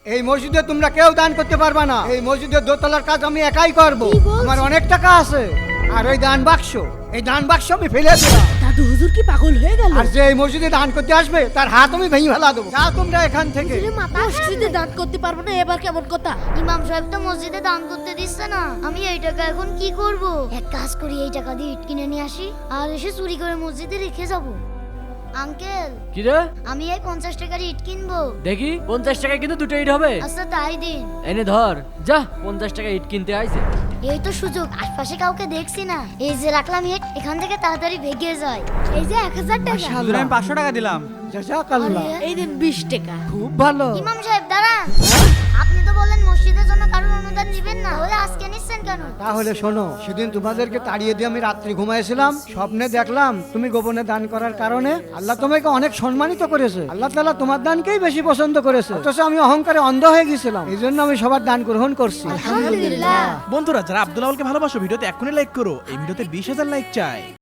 এই মসজিদে তোমরা কেউ দান করতে পারবা না। এই মসজিদের দোতলার কাজ আমি একাই করব। আমার অনেক টাকা আছে। আর ওই দান বাক্স, এই দান বাক্স আমি ফেলে দিলাম। দাদু হুজুর কি পাগল হয়ে গেল? আর যে এই মসজিদে দান করতে আসবে তার হাত আমি ভেঙে ফেলা দেবো। যাও তোমরা এখান থেকে। মসজিদে দান করতে পারবো না, এবার কেমন কথা? ইমাম সাহেব তো মসজিদে দান করতে দিচ্ছে না। আমি এই টাকা এখন কি করব? এক কাজ করি, এই টাকা দিয়ে ইট কিনে নিয়ে আসি আর এসে চুরি করে মসজিদে রেখে যাব। আঙ্কেল, কি রে? আমি এই 50 টাকার ইট কিনবো। দেখি 50 টাকায় কিন্তু দুটো ইট হবে। আচ্ছা তাই দিন। এনে ধর, যা 50 টাকা ইট কিনতে আইছে। এই তো সুযোগ, আশপাশে কাউকে দেখছি না। এই যে রাখলাম ইট, এখান থেকে তাড়াতাড়ি ভেগে যায়। এই যে 1000 টাকা। হুজুর, আমি 500 টাকা দিলাম। জাযাকাল্লাহ। আরে, এই দিন 20 টাকা। খুব ভালো। ইমাম সাহেব দাঁড়ান। আপনি তো বললেন মসজিদের জন্য কারোর অনুদান দিবেন না, তাহলে আজকে নিচ্ছেন কেন? তাহলে শোনো, সেদিন তোমাদেরকে তাড়িয়ে দিয়ে আমি রাত্রি ঘুমাইছিলাম, স্বপ্নে দেখলাম তুমি গোপনে দান করার কারণে আল্লাহ তোমাকে অনেক সম্মানিত করেছে। আল্লাহ তাআলা তোমার দানকেই বেশি পছন্দ করেছে। অথচ আমি অহংকারে অন্ধ হয়ে গেছিলাম, এই জন্য আমি সবার দান গ্রহণ করছি। আলহামদুলিল্লাহ। বন্ধুরা, যারা আব্দুল আওয়ালকে ভালোবাসো, ভিডিওতে এখনই লাইক করো। এই ভিডিওতে 20,000 লাইক চাই।